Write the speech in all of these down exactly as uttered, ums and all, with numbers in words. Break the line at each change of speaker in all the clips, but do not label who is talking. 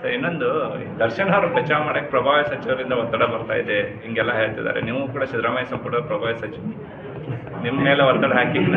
Sir ಇನ್ನೊಂದು ದರ್ಶನ್ ಅವರು ಬಚಾವ್ ಮಾಡಕ್ಕೆ ಪ್ರಭಾವಿ ಸಚಿವರಿಂದ ಒತ್ತಡ ಬರ್ತಾ ಇದೆ ಹಿಂಗೆಲ್ಲ ಹೇಳ್ತಿದ್ದಾರೆ. ನೀವು ಕೂಡ ಸಿದ್ದರಾಮಯ್ಯ ಸಂಪುಟ ಪ್ರಭಾವಿ ಸಚಿವ, ನಿಮ್ಮ ಮೇಲೆ ಒತ್ತಡ ಹಾಕಿಲ್ಲ?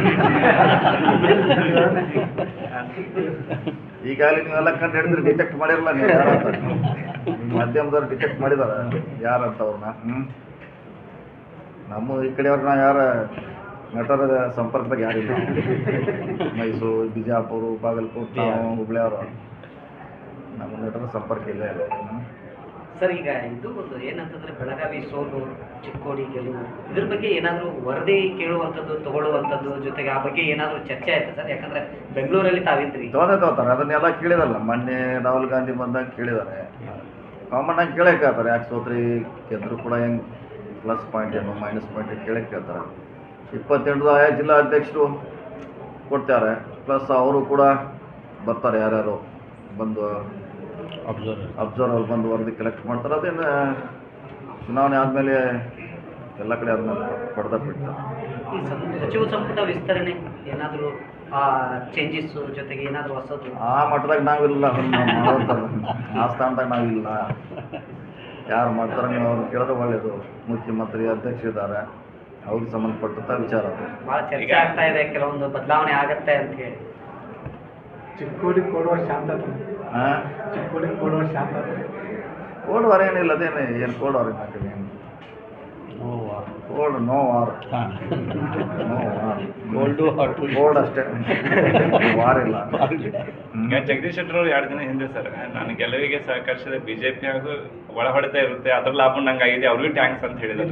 ಈಗಾಗಲೇ ನೀವೆಲ್ಲ ಕಂಡು ಹಿಡಿದ್ರೆ ಡಿಟೆಕ್ಟ್ ಮಾಡಿರಲ್ಲ ನೀವು ಯಾರಂತ, ಮಾಧ್ಯಮದವ್ರು ಡಿಟೆಕ್ಟ್ ಮಾಡಿದಾರ ಯಾರಂತ ಅವ್ರನ್ನ. ಹ್ಞೂ ನಮ್ಮ ಈ ಕಡೆಯವ್ರನ್ನ ಯಾರ ನಟರ ಸಂಪರ್ಕದಾಗ ಯಾರಿಲ್ಲ. ಮೈಸೂರು, ಬಿಜಾಪುರ, ಬಾಗಲಕೋಟೆ, ನಾವು ಹುಬ್ಳಿಯವರು, ನಮ್ಮ ನಟರ ಸಂಪರ್ಕ ಇಲ್ಲ ಇಲ್ಲ.
ಸರ್ ಈಗ ಇದು ಒಂದು ಏನಂತಂದ್ರೆ ಬೆಳಗಾವಿ ಸೋಲು, ಚಿಕ್ಕೋಡಿ ಗೆಲುವು, ಇದ್ರ ಬಗ್ಗೆ ಏನಾದರೂ ವರದಿ ಕೇಳುವಂಥದ್ದು, ತಗೊಳ್ಳುವಂಥದ್ದು, ಜೊತೆಗೆ ಆ ಬಗ್ಗೆ ಏನಾದರೂ ಚರ್ಚೆ ಆಯ್ತು ಸರ್? ಯಾಕಂದ್ರೆ ಬೆಂಗಳೂರಲ್ಲಿ ತಾವಿದ್ರಿ.
ತಗೊಂಡೇ ತಗೋತಾರೆ, ಅದನ್ನೆಲ್ಲ ಕೇಳಿದಲ್ಲ. ಮೊನ್ನೆ ರಾಹುಲ್ ಗಾಂಧಿ ಬಂದಾಗ ಕೇಳಿದ್ದಾರೆ, ಕಾಮನ್ ಆಗಿ ಕೇಳೇ ಕೇಳ್ತಾರೆ. ಯಾಕೆ ಸೋತ್ರಿ ಗೆದ್ರು ಕೂಡ ಹೆಂಗೆ ಪ್ಲಸ್ ಪಾಯಿಂಟ್ ಏನು ಮೈನಸ್ ಪಾಯಿಂಟ್ ಕೇಳೇ ಕೇಳ್ತಾರೆ. ಇಪ್ಪತ್ತೆಂಟು ಆಯಾ ಜಿಲ್ಲಾ ಅಧ್ಯಕ್ಷರು ಕೊಡ್ತಾರೆ, ಪ್ಲಸ್ ಅವರು ಕೂಡ ಬರ್ತಾರೆ, ಯಾರ್ಯಾರು ಬಂದು ಅಬ್ಸರ್ವರ್ ಅಬ್ಸರ್ವರ್ ಬಂದು ವರದಿ ಕಲೆಕ್ಟ್ ಮಾಡ್ತಾರೆ. ಅದೇನು ಚುನಾವಣೆ ಆದಮೇಲೆ ಎಲ್ಲ ಕಡೆ ಆದ್ಮೇಲೆ ಪಡೆದ ಬಿಡ್ತಾರೆ.
ಈ ಸಚಿವ ಸಂಪುಟ ವಿಸ್ತರಣೆ ಏನಾದರೂ ಚೇಂಜಸ್ ಜೊತೆಗೆ ಏನಾದರೂ ಹೊಸದು
ಆ ಮಟ್ಟದಾಗ ನಾವಿಲ್ಲ, ಅದನ್ನು ಮಾಡೋದು ಆ ಸ್ಥಾನದಾಗ ನಾವಿಲ್ಲ. ಯಾರು ಮಾಡ್ತಾರೆ ನೀವು ಅವ್ರು ಕೇಳಿದ್ರೆ ಒಳ್ಳೆಯದು. ಮುಖ್ಯಮಂತ್ರಿ ಅಧ್ಯಕ್ಷ ಇದ್ದಾರೆ, ಅವ್ರಿಗೆ ಸಂಬಂಧಪಟ್ಟಂಥ ವಿಚಾರ ಅದು.
ಭಾಳ ಚರ್ಚೆ ಆಗ್ತಾ ಇದೆ, ಕೆಲವೊಂದು ಬದಲಾವಣೆ ಆಗತ್ತೆ ಅಂತ ಹೇಳಿ.
ಚಿಕ್ಕೋಡಿ ಕೊಡುವ ಶಾಂತತೆ,
ಹಾಂ
ಚಿಕ್ಕೋಡಿ ಕೊಡುವ ಶಾಂತತೆ,
ಕೋಲ್ಡ್ ಏನಿಲ್ಲ, ಅದೇನು ಏನು ಕೋಲ್ಡ್ ವಾರ್ ಏನಾಗ್ತದೆ? ಏನು cold no war, no war, cold cold ಅಷ್ಟೇ, ವಾರ್ ಇಲ್ಲ.
ಈಗ ಜಗದೀಶ್ ಶೆಟ್ಟರ್ ಅವರು ಎರಡು ದಿನ ಹಿಂದೆ ಸರ್, ನಾನು ಗೆಲುವಿಗೆ ಸಹಕರಿಸಿದ ಬಿಜೆಪಿ ಹಾಗೂ ಒಳ ಹೊಡೆತ ಇರುತ್ತೆ, ಅದ್ರ ಲಾಭ ನಂಗಾಗಿದೆ, ಅವ್ರಿಗೂ ಟ್ಯಾಂಕ್ಸ್ ಅಂತ ಹೇಳಿದ್ರು.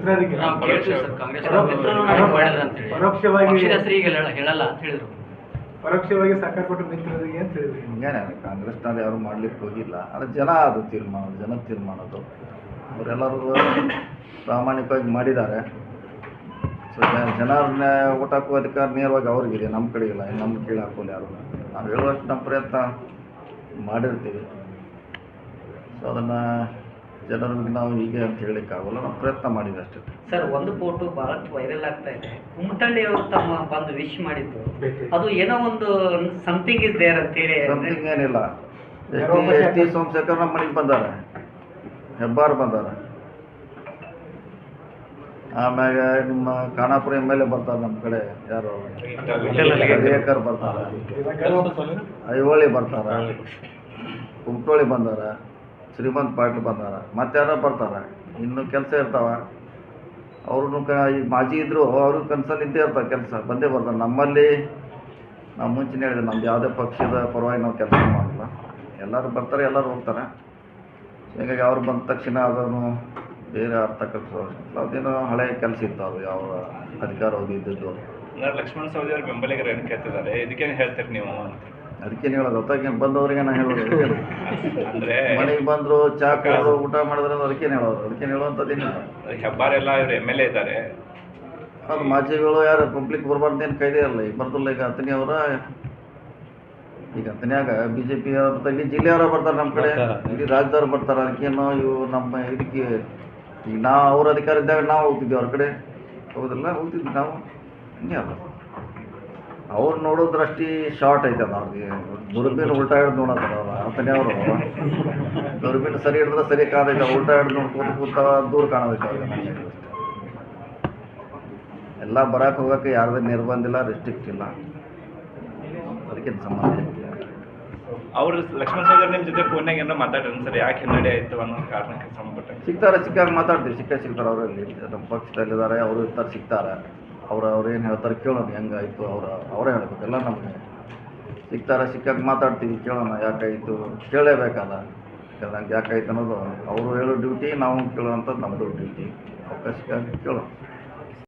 ಪರೋಕ್ಷವಾಗಿ
ಹೇಳಲ್ಲ ಅಂತ ಹೇಳಿದ್ರು.
ಪರೋಕ್ಷವಾಗಿ ಸಹಕಾರ ಕೊಟ್ಟು ಮಿತ್ರರಿಗೆ ಅಂತ ಹೇಳಿದ್ರು.
ಹಿಂಗೇನೆ ಕಾಂಗ್ರೆಸ್ನಲ್ಲಿ ಯಾರು ಮಾಡ್ಲಿಕ್ಕೆ ಹೋಗಿಲ್ಲ, ಅದು ಜನ ಅದು ತೀರ್ಮಾನ, ಜನ ತೀರ್ಮಾನದು. ಅವರೆಲ್ಲರೂ ಪ್ರಾಮಾಣಿಕವಾಗಿ ಮಾಡಿದ್ದಾರೆ. ಸೊ ಜನರನ್ನ ಊಟ ಹಾಕುವ ಅಧಿಕಾರ ನೇರವಾಗಿ ಅವ್ರಿಗಿದೆ, ನಮ್ಮ ಕಡೆ ಇಲ್ಲ. ನಮ್ಮ ಕೀಳು ಹಾಕೋಲ್ಲ ಯಾರು. ನಾವು ಹೇಳುವಷ್ಟು ನಮ್ಮ ಪ್ರಯತ್ನ ಮಾಡಿರ್ತೀವಿ. ಸೊ ಅದನ್ನು ಜನರಿಗೆ ನಾವು ಹೀಗೆ ಅಂತ ಹೇಳಲಿಕ್ಕಾಗಲ್ಲ, ನಾವು ಪ್ರಯತ್ನ ಮಾಡಿದ್ವಿ ಅಷ್ಟೇ.
ಸರ್, ಒಂದು ಫೋಟೋ ಬಹಳಷ್ಟು ವೈರಲ್ ಆಗ್ತಾ ಇದೆ. ಕುಮಟಳ್ಳಿ ಅವರು ತಮ್ಮ ಬಂದು ವಿಶ್ ಮಾಡಿದ್ದು, ಅದು ಏನೋ ಒಂದು ಸಮಥಿಂಗ್ ಇಸ್ ದೇರ್ ಅಂತ ಹೇಳಿ.
ಸಮಥಿಂಗ್ ಏನಿಲ್ಲ. S T S T Somashekhar ನಮ್ಮ ಮನೆಗೆ ಬಂದಾರೆ, ಹೆಬ್ಬಾರ್ ಬಂದಾರೆ, ಆಮ್ಯಾಗ ನಿಮ್ಮ ಖಾನಾಪುರ ಎಮ್ ಎಲ್ ಎ ಬರ್ತಾರೆ, ನಮ್ಮ ಕಡೆ ಯಾರು ಹರಿಯಕರ್ ಬರ್ತಾರೆ, ಐಹೊಳಿ ಬರ್ತಾರೆ, ಕುಮಟೋಳಿ ಬಂದಾರ, ಶ್ರೀಮಂತ್ ಪಾಟೀಲ್ ಬಂದಾರ, ಮತ್ತೆ ಯಾರೋ ಬರ್ತಾರೆ. ಇನ್ನು ಕೆಲಸ ಇರ್ತಾವ, ಅವ್ರೂ ಕ ಈಗ ಮಾಜಿ ಇದ್ದರು, ಅವ್ರಿಗೆ ಕನ್ಸಲ್ಲಿ ಇದ್ದೇ ಇರ್ತಾವೆ, ಕೆಲಸ ಬಂದೇ ಬರ್ತಾರೆ. ನಮ್ಮಲ್ಲಿ ನಾವು ಮುಂಚೆನೇ ಹೇಳಿದೆ, ನಮ್ದು ಯಾವುದೇ ಪಕ್ಷದ ಪರವಾಗಿ ನಾವು ಕೆಲಸ ಮಾಡಲ್ಲ, ಎಲ್ಲರೂ ಬರ್ತಾರೆ, ಎಲ್ಲರೂ ಹೋಗ್ತಾರೆ. ಹೀಗಾಗಿ ಅವ್ರು ಬಂದ ತಕ್ಷಣ ಅದನ್ನು ಬೇರೆ ಅರ್ಥ ಕಲ್ಸೋಲ್ಲ, ಅದೇನೋ ಹಳೆಯ ಕೆಲಸ ಇತ್ತು, ಅದು ಯಾವ ಅಧಿಕಾರ ಅವಧಿ ಇದ್ದದ್ದು.
ಲಕ್ಷ್ಮಣ ಸವದಿ ಅವ್ರ ಬೆಂಬಲಿಗರು ಏನು ಕೇಳ್ತಿದ್ದಾರೆ, ಇದಕ್ಕೇನು ಹೇಳ್ತೀರಿ ನೀವು ಅಂತ?
ಅದಕ್ಕೇನು ಹೇಳೋದು, ಹೊತ್ತಾಗೇನು ಬಂದವ್ರಿಗೆ ನಾನು ಹೇಳೋದು.
ಅಂದ್ರೆ
ಮನೆಗೆ ಬಂದರು, ಚಾ ಕುಡಿದ್ರು, ಊಟ ಮಾಡಿದ್ರೆ ಅದಕ್ಕೇನು ಹೇಳೋದು, ಅದಕ್ಕೇನು ಹೇಳುವಂಥದ್ದೇನಿಲ್ಲ.
ಹೆಬ್ಬಾರೆಲ್ಲ ಇವರು ಎಮ್ ಎಲ್ ಎ ಇದ್ದಾರೆ,
ಅದು ಮಾಜಿಗಳು ಯಾರು ಪಬ್ಲಿಕ್ ಬರಬಾರ್ದೇನು ಕೈದೇ ಇರಲ್ಲ. ಈಗ ಬರ್ತಿಲ್ಲ, ಈಗ ಹತ್ತನೇ ಅವರ ಈಗ ಹತ್ತನ್ಯಾಗ ಬಿ ಜೆ ಪಿ ಬರ್ತಾರೆ, ಇಲ್ಲಿ ಜಿಲ್ಲೆಯವರು ಬರ್ತಾರೆ, ನಮ್ಮ ಕಡೆ ಇಲ್ಲಿ ರಾಜ್ಯದವ್ರು ಬರ್ತಾರೆ. ಅದಕ್ಕೇನೋ ಇವು ನಮ್ಮ ಇದಕ್ಕೆ ಈಗ ನಾವು ಅವ್ರ ಅಧಿಕಾರ ಇದ್ದಾಗ ನಾವು ಹೋಗ್ತಿದ್ವಿ ಅವ್ರ ಕಡೆ, ಹೌದಿಲ್ಲ, ಹೋಗ್ತಿದ್ವಿ ನಾವು. ಹಿಂಗೆ ಅಲ್ಲ, ಅವ್ರು ನೋಡೋದ್ರಷ್ಟಿ ಶಾರ್ಟ್ ಐತೆ ಅದು. ಅವ್ರಿಗೆ ದುರ್ಬೀನ್ ಉಲ್ಟಾ ಹಿಡ್ದು ನೋಡತ್ತಾರ ಅವ್ರು. ಹತ್ತನೇ ಅವರು ದುರ್ಬೀನ್ ಸರಿ ಹಿಡಿದ್ರೆ ಸರಿ ಕಾದೈತೆ, ಉಲ್ಟಾ ಹಿಡ್ದು ನೋಡ್ಕೋತ ಕೂತ ದೂರ ಕಾಣೋದೈತೆ ಅವ್ರಿಗೆ. ನನಗೆ ಎಲ್ಲ ಬರಕ್ಕೆ ಹೋಗೋಕ್ಕೆ ಯಾರ್ದು ನಿರ್ಬಂಧ ಇಲ್ಲ, ರೆಸ್ಟ್ರಿಕ್ಟ್ ಇಲ್ಲ, ಅದಕ್ಕೇನು ಸಂಬಂಧ ಇಲ್ಲ.
ಅವ್ರು ಲಕ್ಷ್ಮಣ ಸವದಿ ನಿಮ್ಮ ಜೊತೆ ಫೋನ್ನಾಗ ಏನೋ ಮಾತಾಡ್ರಿ ಸರ್, ಯಾಕೆ ಹಿನ್ನಡೆ ಆಯಿತು ಅನ್ನೋ ಕಾರಣಕ್ಕೆ ಸಂಬಂಧಪಟ್ಟ
ಸಿಗ್ತಾರೆ, ಸಿಕ್ಕಾಗ ಮಾತಾಡ್ತೀವಿ, ಸಿಕ್ಕ ಸಿಗ್ತಾರೆ. ಅವರಲ್ಲಿ ನಮ್ಮ ಪಕ್ಷದಲ್ಲಿದ್ದಾರೆ, ಅವರು ಇರ್ತಾರೆ, ಸಿಗ್ತಾರೆ. ಅವ್ರು ಅವ್ರು ಏನು ಹೇಳ್ತಾರೆ ಕೇಳೋಣ, ಹೆಂಗಾಯಿತು ಅವ್ರು ಅವರೇ ಹೇಳ್ಬೇಕಲ್ಲ. ನಮಗೆ ಸಿಗ್ತಾರೆ, ಸಿಕ್ಕಾಗ ಮಾತಾಡ್ತೀವಿ, ಕೇಳೋಣ ಯಾಕಾಯಿತು, ಕೇಳಲೇಬೇಕಲ್ಲ. ನಂಗೆ ಯಾಕಾಯ್ತು ಅನ್ನೋದು ಅವರು ಹೇಳೋ ಡ್ಯೂಟಿ, ನಾವು ಕೇಳುವಂಥದ್ದು ನಮ್ಮದು ಡ್ಯೂಟಿ. ಅವಕಾಶ ಸಿಕ್ಕಾಗ ಕೇಳೋಣ.